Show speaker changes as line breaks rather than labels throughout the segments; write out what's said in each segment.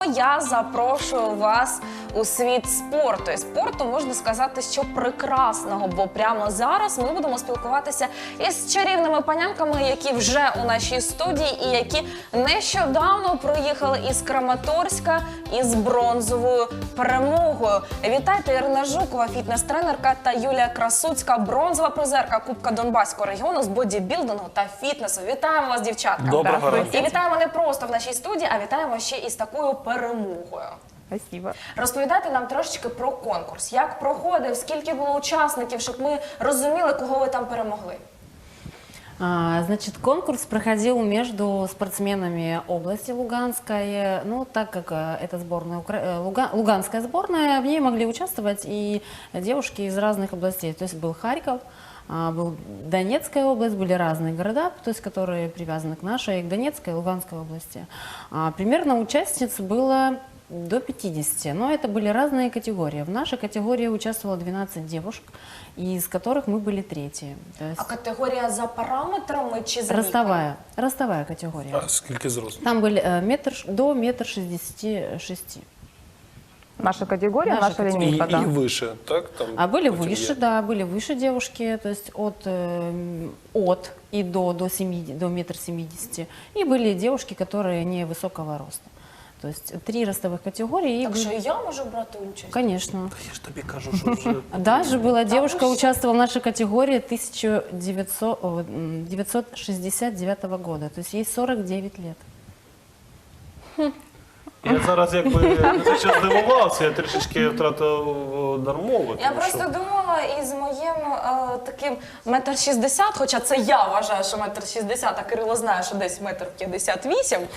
Я запрошую вас у світ спорту. І спорту, можна сказати, що прекрасного, бо прямо зараз ми будемо спілкуватися із чарівними панянками, які вже у нашій студії і які нещодавно приїхали із Краматорська із бронзовою перемогою. Вітайте, Ірина Жукова, фітнес-тренерка, та Юлія Красуцька, бронзова призерка Кубка Донбаського регіону з бодібілдингу та фітнесу. Вітаємо вас, дівчатка!
Доброго ранку.
І вітаємо не просто в нашій студії, а вітаємо ще із такою перемогою.
Спасибо.
Розповідайте нам трошечки про конкурс. Як проходив, скільки було учасників, щоб ми розуміли, кого ви там перемогли.
Значит, конкурс проходил между спортсменами области Луганской. Ну, так как это сборная, Луганская сборная, в ней могли участвовать и девушки из разных областей. То есть был Харьков, был Донецкая область, были разные города, то есть которые привязаны к нашей, к Донецкой и Луганской области. Примерно участниц было до 50, но это были разные категории. В нашей категории участвовало 12 девушек, из которых мы были третьи. То есть
А категорія за параметрами чи за
ростовая категория.
А скільки зросту?
Там были до метр 66.
Наша категория,
Наша
наша
категория.
линейка,
І
да.
вище, так? Там
А были
потім
выше,
є.
да, были выше девушки, то есть от и до 70, до метр 70. И были девушки, которые невысокого роста. То есть 3 ростовых категории.
Так що і я можу брати участь?
Конечно.
Я ж тобі кажу, що вже...
Даже была девушка,
вы что?
участвовала в нашей категории 1969 года, то есть ей 49 лет.
Я зараз якби не ще здивувався, я трішечки втратив дар мови.
Я
тому що-
просто думала, із моїм таким 1,60 м, хоча це я вважаю, що 1,60 м, а Кирило знає, що десь 1,58 м,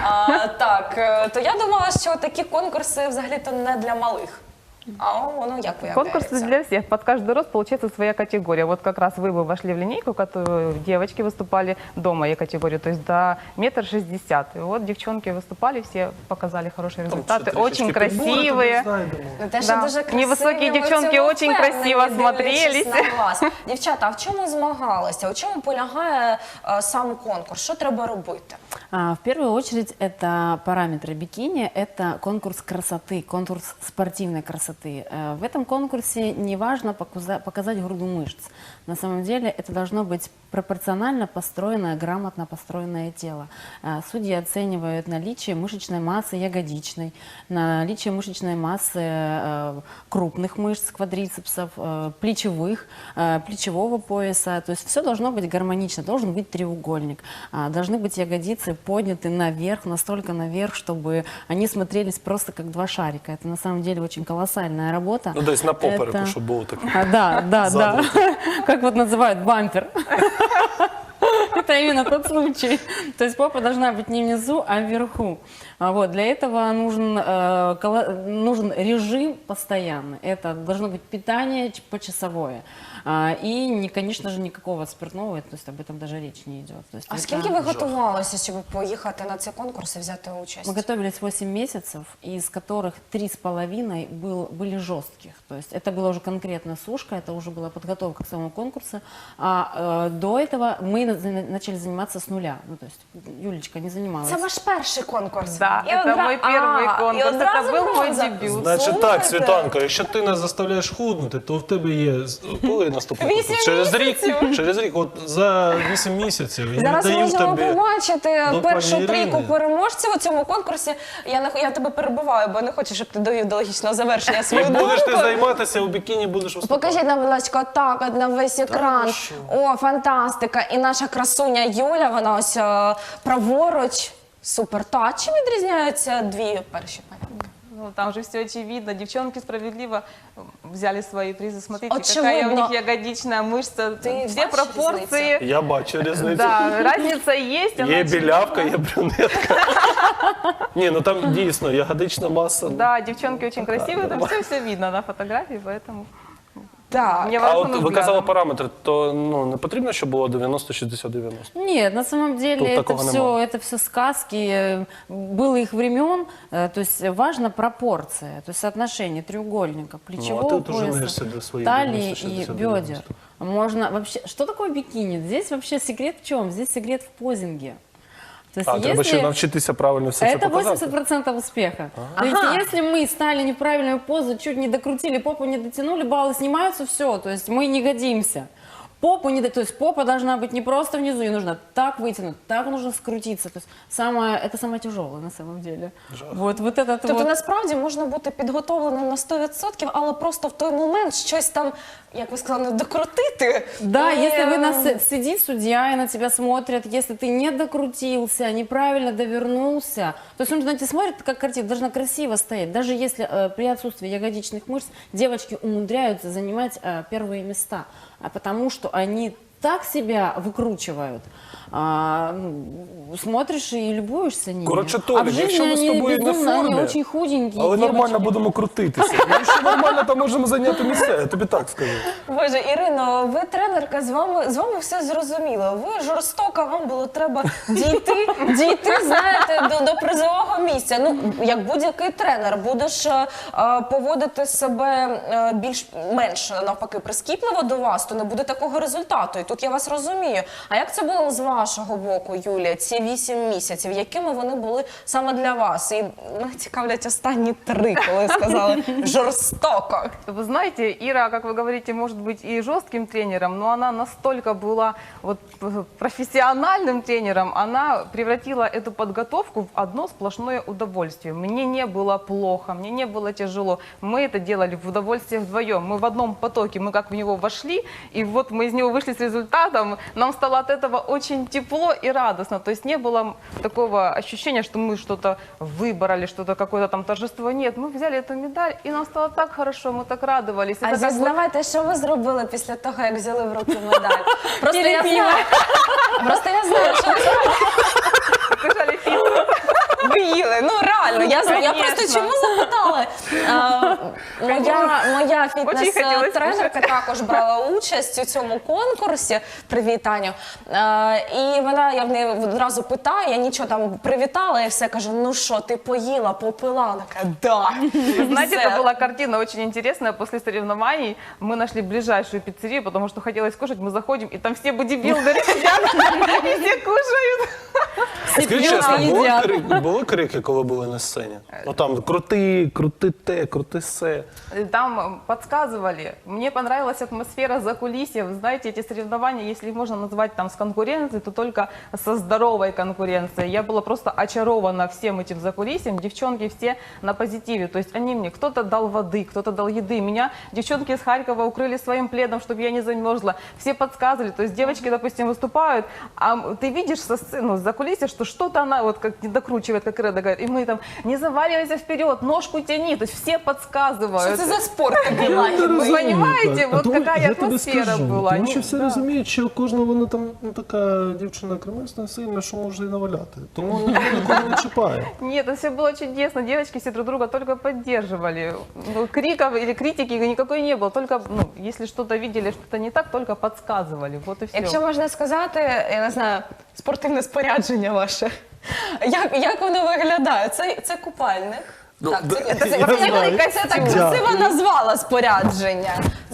то я думала, що такі конкурси взагалі-то не для малих. А воно як виявляється?
Конкурс для всех. Под каждый рост получается своя категория. Вот как раз вы бы вошли в линейку, которую девочки выступали до моей категории, то есть до метр 60. И вот девчонки выступали, все показали хорошие
Там
результаты,
ще
очень
трішечки підбори тобі
красивые.
знайдемо.
Те, що
Да.
дуже красиві,
Невисокі
ми в
дівчонки
цьому
очень
впевнені,
красиво
дивлячись
смотрелись.
на вас. Дівчата, а в чому змагалися? У чому полягає сам конкурс? Що треба робити?
В первую очередь это параметры бикини, это конкурс красоты, конкурс спортивной красоты. В этом конкурсе не важно показать груду мышц. На самом деле это должно быть пропорционально построенное, грамотно построенное тело. Судьи оценивают наличие мышечной массы ягодичной, наличие мышечной массы крупных мышц, квадрицепсов, плечевых, плечевого пояса. То есть все должно быть гармонично, должен быть треугольник, должны быть ягодицы подняты наверх, настолько наверх, чтобы они смотрелись просто как два шарика. Это на самом деле очень колоссальная работа.
Ну, десь на попереку,
Это-
щоб було таке.
Да.
Задом.
Как вот называют бампер. Это именно тот случай. То есть попа должна быть не внизу, а вверху. Вот. Для этого нужен режим постоянный. Это должно быть питание почасовое. И, конечно же, никакого спиртного, то есть об этом даже речь не идет. То есть
А
это-
скільки ви готувалися, щоб поїхати на цей конкурс і взяти участь?
Мы готовились 8 месяцев, из которых 3,5 были жестких. То есть это была уже конкретно сушка, это уже была подготовка к самому конкурсу. До этого мы начали заниматься с нуля. Ну, то есть Юлечка не занималась.
Це ваш перший конкурс?
Да, это мой первый конкурс, это был мой дебют.
Значить так, Світанка, якщо ти нас заставляєш худнути, то в тебе є коли наступний конкурс?
8
Через рік.
місяців.
Через рік, от за 8 місяців. Я
Зараз
віддаю
можемо
тобі
побачити
до
першу
пані
трійку
Ірини.
переможців у цьому конкурсі. Я тебе перебиваю, бо не хочу, щоб ти довів до логічного завершення свою
Як будеш ти
думку.
займатися у бікіні, будеш виступати.
Покажіть нам, будь ласка, так, от на весь екран.
що?
О, фантастика. І наша красуня Юля, вона ось праворуч. Супер. Та а чим відрізняються дві перші панянки?
Ну, там же все очевидно. Девчонки справедливо взяли свои призы. Смотрите,
Очевидно.
какая у них ягодичная мышца.
Ты
Все
бачишь
пропорции.
Я бачу різницю.
Да, разница есть. она
Є
очевидна.
білявка, є брюнетка. Ні, ну там дійсно ягодична маса.
Да, девчонки очень красивые, там все видно на фотографии, поэтому
Так.
А
невооруженным
от ви казали
взглядом.
параметри, то не потрібно, щоб було 90-60-90?
Нет, на самом деле
Тут такого нема.
это все сказки, было их времен, то есть важна пропорция, то есть соотношение треугольника, плечевого
тут уже
пояса,
женишься до своих
талии
90,
и
60,
бедер.
90.
Можно вообще, что такое бикини? Здесь вообще секрет в чем? Здесь секрет в позинге. То есть,
А, треба ще навчитися правильно все це
это
показати.
80% успеха. То есть, если мы стали неправильную позу, чуть не докрутили, попу не дотянули, баллы снимаются, все. То есть мы не годимся. Попу не, то есть попа должна быть не просто внизу, ее нужно так вытянуть, так нужно скрутиться. То есть это самое тяжелое на самом деле. Вот этот
Тобто
вот.
насправді можна бути підготовленим на 100%, але просто в той момент щось там, як ви сказали, докрутити.
Да,
І,
если вы сидит судья и на тебя смотрят, если ты не докрутился, неправильно довернулся, то есть он на тебя смотрит, как картина, должна красиво стоять. Даже если при отсутствии ягодичных мышц девочки умудряются занимать первые места, потому что они так себя выкручивают, смотришь и любуешься ними.
Коротше,
а в
Толік,
жизни
якщо ми з
они
тобою не в
безумно, они
формі,
очень худенькие
але
девочки.
нормально будемо крутитися. Ми ще нормально там можемо зайняти місце, я тобі так скажу.
Боже, Ірино, ви тренерка, з вами все зрозуміло. Ви жорстока, вам було треба дійти, знаєте, до призового місця. Ну, як будь-який тренер, будеш поводити себе менш навпаки прискіпливо до вас, то не буде такого результату. І тут я вас розумію. А як це було з вашого боку, Юлія, ці 8 місяців? Якими вони були саме для вас? І мене цікавлять останні 3, коли сказали жорстоко.
Вы знаете, Ира, как вы говорите, может быть и жестким тренером, но она настолько была вот профессиональным тренером, она превратила эту подготовку в одно сплошное удовольствие. Мне не было плохо, мне не было тяжело. Мы это делали в удовольствие вдвоем. Мы в одном потоке, мы как в него вошли, и вот мы из него вышли с результатом. Нам стало от этого очень тепло и радостно. То есть не было такого ощущения, что мы что-то выбрали, что-то какое-то там торжество. Нет, мы взяли эту медаль, и нам стало так хорошо, мы так радовались.
А
Это как бы-
зізнавайте, що ви зробили після того, як взяли в руки медаль? Просто я знаю, що ви
Кушали пиццу.
ви їли. Ну реально, я
Конечно.
просто чому запитала? Моя
Очень хотілося
фітнес-тренерка також брала участь у цьому конкурсі. Привіт, Таню. І я в неї одразу питаю, я нічого там привітала і все кажу, ну що, ти поїла, попила? Вона каже, да.
Знаете,
Все.
это была картина очень интересная. После соревнований мы нашли ближайшую пиццерию, потому что хотелось кушать. Мы заходим, и там все бодибилдеры сидят, и все кушают.
Скажіть чесно,
їдять.
були крики, коли були на сцені? Ну там крути те, крути се.
Там подсказывали. Мне понравилась атмосфера закулисья. Вы знаете, эти соревнования, если их можно назвать там с конкуренцией, то только со здоровой конкуренцией. Я была просто очарована всем этим закулисьем. Девчонки все на позитиве. То есть они мне, кто-то дал воды, кто-то дал еды. Меня девчонки из Харькова укрыли своим пледом, чтобы я не замерзла. Все подсказывали. То есть девочки, допустим, выступают, а ты видишь со сцены, с закулисья, что что-то она вот как не докручивает, как Реда говорит. И мы там, не заваливайся вперед, ножку тяни. То есть все подсказывают.
Що це за спорт такий лагідний?
Вы понимаете,
Так,
вот
тому
какая
я тобі
атмосфера
скажу,
была.
Тому
Они-
що всі
да.
розуміють, що кожна вона там така дівчина кремесна сильна, що може і наваляти. Тому ніхто нікого не чіпає.
Нет, это все было чудесно. Девочки все друг друга только поддерживали. Ну, криков или критики никакой не было. Только, если что-то видели, что-то не так, только подсказывали. Вот и все.
Якщо можна сказати, я не знаю, спортивне спорядження ваше. Як воно виглядає? Це купальник.
Ну,
Так,
да,
це
я
так
Дякую.
красиво назвала спорядження.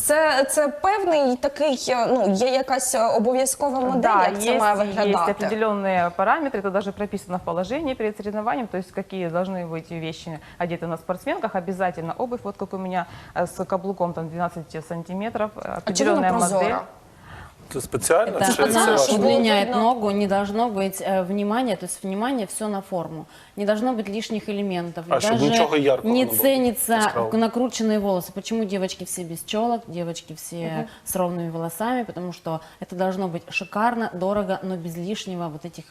Це певний такий, є якась обов'язкова модель,
Да,
як це має
есть
виглядати.
определенные параметры, это даже прописано в положении перед соревнованием, то есть какие должны быть вещи одеты на спортсменках, обязательно обувь, вот как у меня с каблуком там 12 сантиметров,
А чому
определенная
вона
модель.
прозора?
Це спеціально?
Это
Чи це
специально,
ваше?
чтобы-
удлиняет
видно.
ногу, не должно быть внимания, то есть внимание все на форму. Не должно быть лишних элементов.
А, чтобы ничего яркого
не
не было.
ценятся
Яскраво.
накрученные волосы. Почему девочки все без челок, девочки все с ровными волосами? Потому что это должно быть шикарно, дорого, но без лишнего вот этих,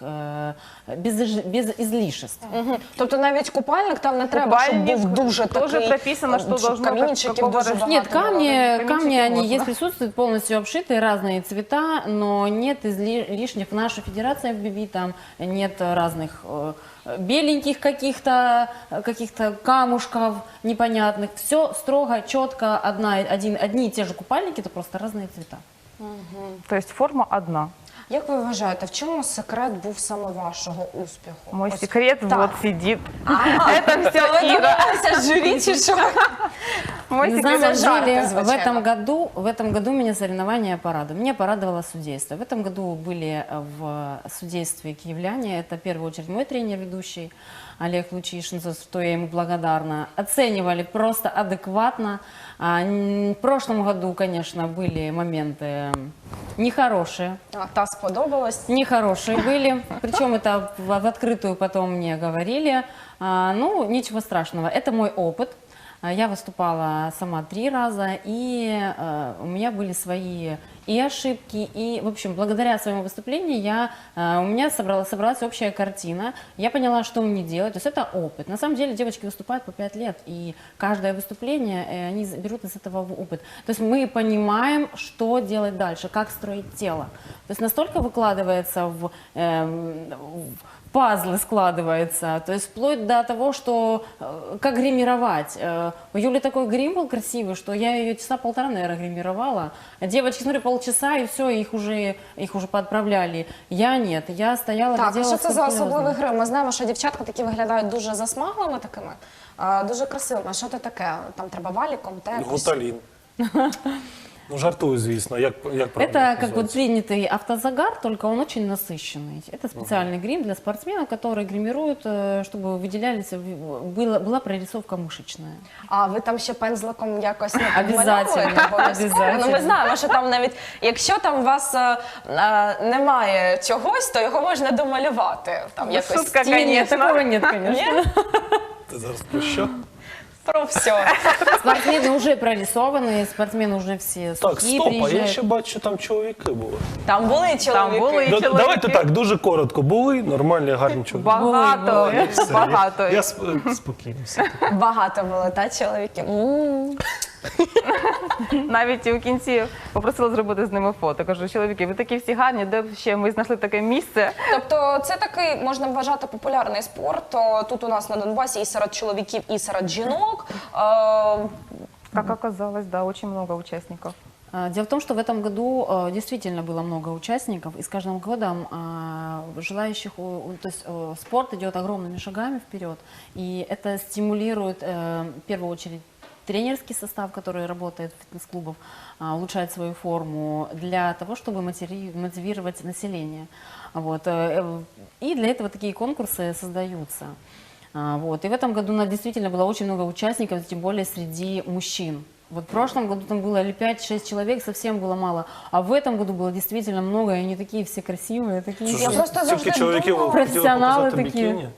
без излишеств.
Мгм. Тобто навіть купальник там не треба, щоб
Купальник
був дуже
тоже
такий,
прописано, что
щоб
должно
камінчиків
какого
дуже
размера.
багато
Нет,
було.
камни
каменчики
они
можно.
есть, присутствуют полностью обшитые, разные цвета, но нет лишних. В нашей федерации FBB там нет разных беленьких каких-то камушков непонятных. Все строго, четко, одни и те же купальники, это просто разные цвета.
То есть форма одна.
Як ви вважаєте, в чому секрет був саме вашого успіху?
Мой
Ось
секрет
так.
вот сидит. Это все
Ви
Ира.
домовилися з журі чи що?
На
Мостик
самом
это жарты,
деле,
звучало.
в этом году меня соревнования порадовали. Меня порадовало судейство. В этом году были в судействе киевляне. Это в первую очередь мой тренер, ведущий Олег Лучишин, за что я ему благодарна. Оценивали просто адекватно. В прошлом году, конечно, были моменты нехорошие.
А, та сподобалась.
Нехорошие были, причем это в открытую потом мне говорили. Ну, ничего страшного, это мой опыт. Я выступала сама 3 раза, и у меня были свои и ошибки, и, в общем, благодаря своему выступлению у меня собралась общая картина. Я поняла, что мне делать, то есть это опыт. На самом деле девочки выступают по 5 лет, и каждое выступление, они берут из этого опыт. То есть мы понимаем, что делать дальше, как строить тело. То есть настолько выкладывается в пазлы складывается, то есть вплоть до того, что как гримировать. У Юли такой грим был красивый, что я ее часа 1,5, наверное, гримировала. Девочки, смотрю, полчаса, и все, их уже поотправляли. Я нет, я стояла,
Так, а
делала
що це за
скрупулезно.
особливий грим? Ми знаємо, що дівчатка такі виглядають дуже засмаглими такими, дуже красивими. А що це таке? Там треба валіком, якось?
Гуталін. Ну, жартую, звісно. Як правильно
Это как
називається?
вот принятый автозагар, только он очень насыщенный. Это специальный грим для спортсменов, которые гримируют, чтобы выделялись, была прорисовка мышечная.
А ви там ще пензликом якось не
Обязательно,
підмальовуєте? Обов'язково. Ну, ми
обязательно.
знаємо, що там навіть, якщо там у вас немає чогось, то його можна домалювати. Там якось
шутка,
тіні.
Нет, такого нет, конечно.
Ти зараз про що?
Про все.
Спортсмены уже прорисованы, спортсмены уже все
Так,
сухие
стоп, а я
приезжают.
ще бачу, там чоловіки були.
Там були чоловіки.
були.
Да-
чоловіки.
Давайте так, дуже коротко. Були нормальні, гарні чоловіки.
Багато,
Все,
багато.
Я спокійно. все.
Багато було, та чоловіків.
Навіть у кінці попросила зробити з ними фото. Кажу, чоловіки, ви такі всі гарні, де б ще ми знайшли таке місце.
Тобто це такий, можна вважати, популярний спорт. Тут у нас на Донбасі і серед чоловіків, і серед жінок.
Как оказалось, да, очень много участников.
Дело в том, что в этом году действительно было много участников, и с каждым годом желающих, то есть спорт идет огромными шагами вперед, и это стимулирует в первую очередь тренерский состав, который работает в фитнес-клубах, улучшает свою форму для того, чтобы мотивировать население. Вот. И для этого такие конкурсы создаются. Вот. И в этом году у нас действительно было очень много участников, тем более среди мужчин. Вот в прошлом году там было 5-6 человек, совсем было мало. А в этом году было действительно много, и они такие все красивые, такие.
Що
Я
ж,
просто завжди
стільки чоловіків
думала-
хотіли
Професіонали
показати
такі.
бікіні?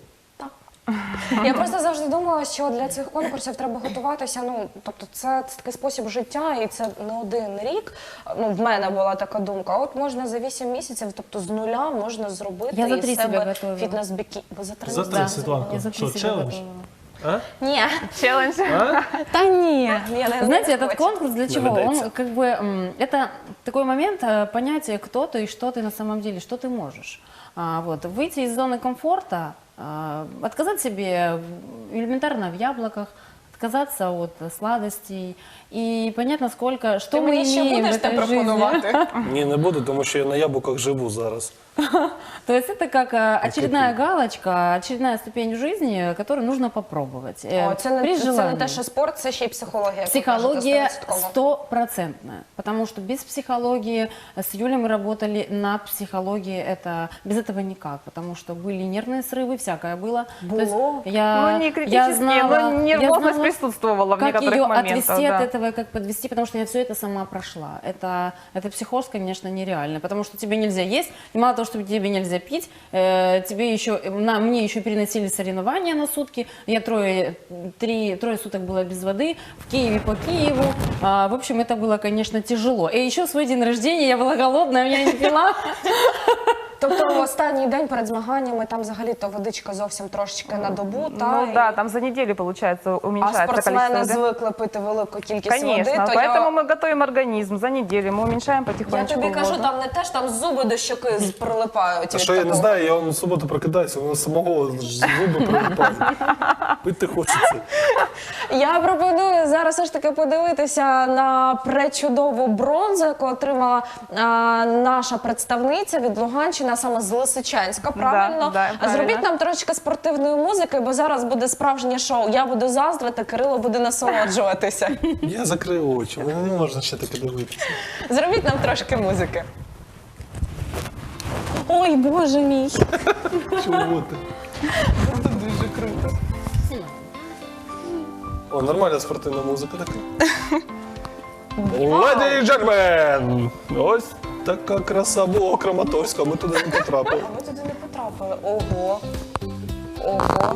Я просто завжди думала, що для цих конкурсів треба готуватися. Ну, тобто, це такий спосіб життя, і це не один рік. Ну, в мене була така думка. От можна за 8 місяців, тобто з нуля можна зробити
Я за 3
із
себе
себе
готовила.
фітнес-бікі. Ви за 3
За
місяці?
3, Світланко.
Я за
Що,
себя
челендж?
готовила.
Ні.
Челлендж.
Та ні. Я не
Знаете,
хочу.
этот конкурс для чего?
Навидается.
Он как бы это такой момент понятия, кто ты и что ты на самом деле, что ты можешь. Вот выйти из зоны комфорта, отказать себе элементарно в яблоках, отказаться от сладостей и понять, насколько что
Ти
мы
мені ще
имеем в
будеш те
этой жизни.
пропонувати?
Ні, не буду, тому що я на яблуках живу зараз.
То есть это как очередная галочка, очередная ступень в жизни, которую нужно попробовать.
О, це
при
не
желании.
те, що спорт, це ще й психологія. як ви
Психология
кажете, 100%.
100%, потому что без психологии, с Юлей мы работали над психологией, это, без этого никак, потому что были нервные срывы, всякое было. То есть
Было?
я,
Ну, не
я
критические,
знала,
но
я
нервозность
знала,
присутствовала в
как
некоторых
ее
моментах.
отвести
да.
от этого и как подвести, потому что я все это сама прошла. Это психоз, конечно, нереально, потому что тебе нельзя есть, и мало того, что тебе нельзя пить, тебе еще, мне еще переносили соревнования на сутки, я трое суток была без воды, в Киеве по Киеву, в общем, это было, конечно, тяжело. И еще свой день рождения, я была голодная, я не пила.
Тобто в останній день перед змаганнями там взагалі-то водичка зовсім трошечки на добу, та,
Ну да, там за неделю, получается,
а
уменьшается
спортсмени
количество.
звикли пити велику кількість
Конечно,
води, то
поэтому
я...
мы готовим организм за неделю, мы уменьшаем
Я
потихонечку
тобі кажу,
воду.
там не те ж, там зуби до щоки прилипають.
А
від
що я не
такого.
знаю, я в суботу прокидаюся, воно самого зуби прилипають. Пити хочеться.
Я пропоную зараз все ж таки подивитися на пречудову бронзу, яку отримала наша представниця від Луганщини, а саме з Лисичанська, правильно?
Да, правильно.
Зробіть нам трошки спортивної музики, бо зараз буде справжнє шоу. Я буду заздрити, Кирило буде насолоджуватися.
Я закрив очі, мене не можна ще таке дивитися.
Зробіть нам трошки музики. Ой, боже мій.
Чого ти?
Це дуже круто.
О, нормальна спортивна музика така. Ladies and gentlemen! Ось така краса була Краматорська, ми туди не потрапили.
А ми туди не потрапили. Ого. Ого.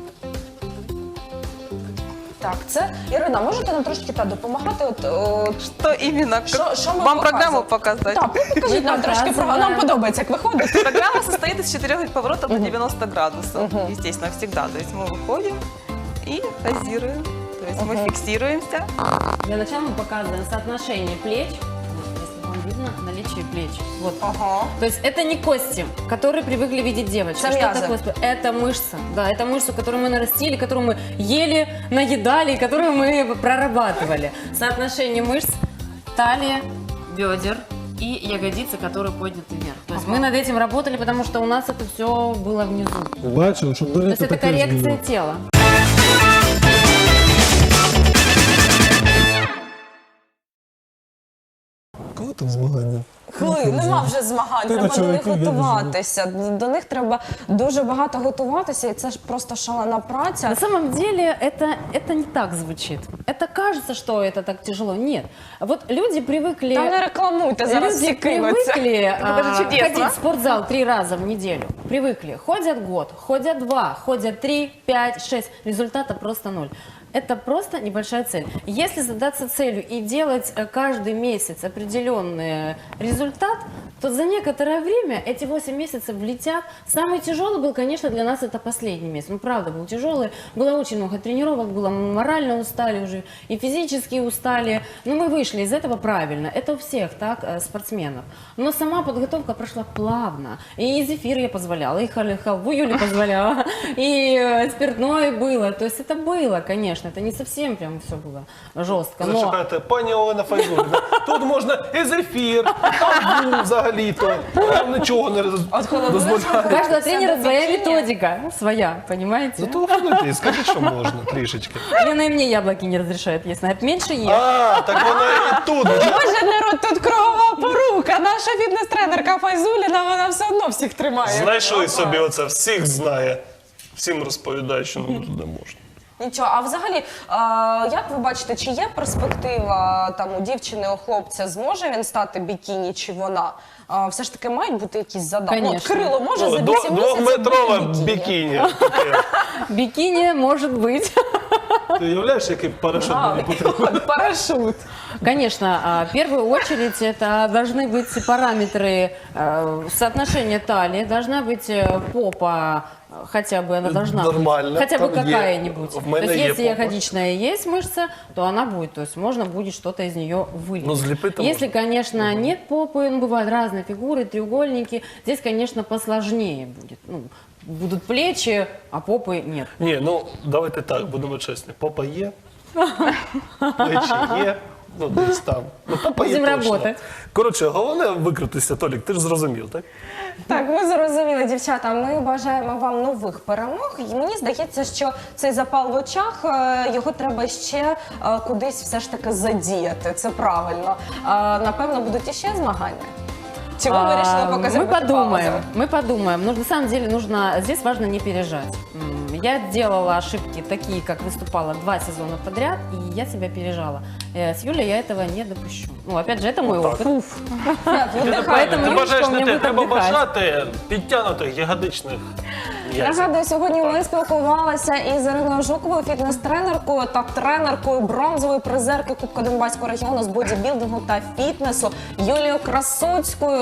Так, це Ірина, можете нам трошки допомагати?
Что именно?
Що ми
Вам программу
показуємо?
показать?
Так, покажіть нам трошки програму. Нам подобається, як виходить.
Программа состоит из 4 поворотов на 90 градусов. Естественно, всегда. То есть мы выходим и позируем. То есть мы фиксируемся.
Для начала мы показываем соотношение плеч, вот, если вам видно, наличие плеч. Вот.
Ага.
То есть это не кости, которые привыкли видеть девочки.
Это
Что
мязы.
такое? Это мышца. Да, это мышцу, которую мы нарастили, которую мы ели, наедали, которую мы прорабатывали. Соотношение мышц, талия, бедер и ягодицы, которые подняты вверх. То есть мы над этим работали, потому что у нас это все было внизу.
Бачив, щоб
То есть
дивитися
это
таке
коррекция
зміни.
тела.
Коли там змагання?
Нема вже змагань,
Ти
треба
на
до них
чоловіка
готуватися. До них треба дуже багато готуватися, і це ж просто шалена праця.
На самом деле это не так звучит. Это кажется, что это так тяжело. Нет. Вот люди привыкли...
Та не рекламуйте, зараз всі
Люди
кинуться.
привыкли
Это же чудесно.
ходить в спортзал 3 раза в неделю. Привыкли. Ходят год, ходят 2, ходят 3, 5, 6. Результата просто 0. Это просто небольшая цель. Если задаться целью и делать каждый месяц определенный результат, то за некоторое время эти 8 месяцев влетят. Самый тяжелый был, конечно, для нас это последний месяц. Ну, правда, был тяжелый. Было очень много тренировок, было, мы морально устали уже, и физически устали. Но мы вышли из этого правильно. Это у всех, так, спортсменов. Но сама подготовка прошла плавно. И зефир я позволяла, и халву Юле позволяла, и спиртное было. То есть это было, конечно. Это не совсем прям все было жестко. Но
Зачекайте, пані Олена Файзуліна, тут можна і зефір, і взагалі-то. Нам нічого не
у
дозволяє.
каждого тренера своя
бикини.
методика, своя, понимаете?
Зателефонуйте і скажіть, що можна трішечки.
Лена и мне яблоки не разрешает есть. Она меньше ест.
А, так вона і тут.
Боже, народ, тут кругова порука. Наша фітнес-тренерка Файзуліна, вона все одно всіх тримає.
Знайшли собі оце, всіх знає. Всім розповідає, що нам тут не можна.
Нічого, а взагалі, як ви бачите, чи є перспектива там у дівчини, у хлопця, зможе він стати бікіні, чи вона? Все ж таки мають бути якісь задачі. Ну, от
Конечно.
Кирило може за 8 місяців
Двохметрове
бути
бікіні.
Бикини может быть.
Ти уявляєш, який парашут мені потрібен?
Парашут.
Конечно, в первую очередь это должны быть параметры соотношения талии, должна быть попа, хотя бы она должна
Нормально,
быть, хотя бы
там є.
какая-нибудь.
В
То
мене
есть
є
если
попа.
ягодичная есть мышца, то она будет, то есть можно будет что-то из нее вылить.
Ну, злепить-то
Если,
можно.
конечно, нет попы, ну, бывают разные фигуры, треугольники, здесь, конечно, посложнее будет. Ну, будут плечи, а попы нет.
Ні, ну давайте так, будемо чесні. Попа є, плечі є, ну десь там. Ну, попа є
Будемо
точно.
работать.
Коротше, головне викрутися, Толік, ти ж зрозумів, так?
Так, ми зрозуміли, дівчата. Ми бажаємо вам нових перемог. І мені здається, що цей запал в очах, його треба ще кудись все ж таки задіяти. Це правильно. Напевно, будуть іще змагання. Чи ви вирішили поки
Мы
зробити
подумаем,
паузу?
мы подумаем. Но на самом деле здесь важно не пережать. Я делала ошибки такие, как выступала 2 сезона подряд, и я себя пережала. С Юлей я этого не допущу. Ну, опять же, это мой
Вот так.
опыт.
Ти
Поэтому Юлечка
бажаєш
у
не
меня
те,
будет
треба
отдыхать.
бажати підтягнутих ягодичних яйців.
Нагадую, сьогодні ми спілкувалися із Іриною Жуковою, фітнес-тренеркою та тренеркою бронзової призерки Кубка Донбаського регіону з бодібілдингу та фітнесу Юлією Красоцькою.